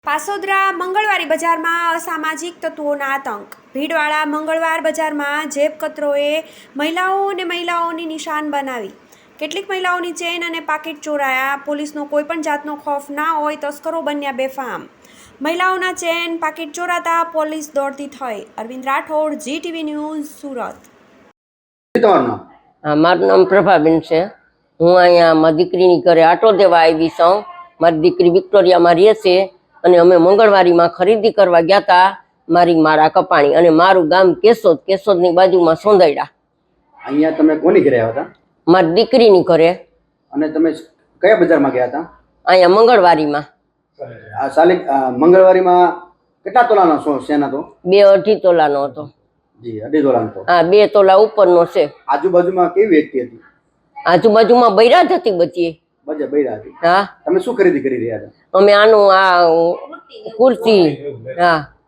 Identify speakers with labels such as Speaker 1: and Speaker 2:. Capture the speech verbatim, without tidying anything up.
Speaker 1: પાસોદરા મંગળવારી બજારમાં અસામાજિક તત્વોના આતંક। ભીડવાળા મંગળવાર બજારમાં જેબ કતરોએ મહિલાઓ અને મહિલાઓની નિશાન બનાવી। કેટલીક મહિલાઓની ચેન અને પાકીટ ચોરાયા। પોલીસનો કોઈપણ જાતનો ખોફ ના હોય તસ્કરો બન્યા બેફામ। મહિલાઓના ચેન પાકીટ ચોરાતા પોલીસ દોડતી થઈ। Arvind Rathod, G TV news, Surat.
Speaker 2: મારું નામ પ્રભાબેન છે। હું અહીંયા મારી દીકરીની ઘરે આટો દેવા આવી છું। મારી દીકરી વિક્ટોરિયામાં રહે છે અને અમે મંગળવારીમાં ખરીદી કરવા ગયા હતા। મારી મારા કપાણી અને મારું ગામ કેશોદ, કેશોદની બાજુમાં સોંદૈડા।
Speaker 3: અહીંયા તમે કોની ઘરે આવ્યા હતા?
Speaker 2: મારી દીકરીની ઘરે।
Speaker 3: અને તમે કયા બજારમાં ગયા હતા?
Speaker 2: અહીંયા મંગળવારીમાં।
Speaker 3: આ સાલી મંગળવારીમાં કેટલા તોલાનો સો સેના તો?
Speaker 2: બે અઢી તોલાનો હતો।
Speaker 3: જી, અઢી તોલાનો તો?
Speaker 2: હા, બે તોલા ઉપરનો છે।
Speaker 3: આજુબાજુમાં કેવી વ્યક્તિ હતી?
Speaker 2: આજુબાજુમાં બૈરા જ હતી બચી।
Speaker 3: બજે બૈરા હતી?
Speaker 2: હા।
Speaker 3: તમે શું ખરીદી કરી રહ્યા હતા?
Speaker 2: અમે આનું આ કુર્તી, હા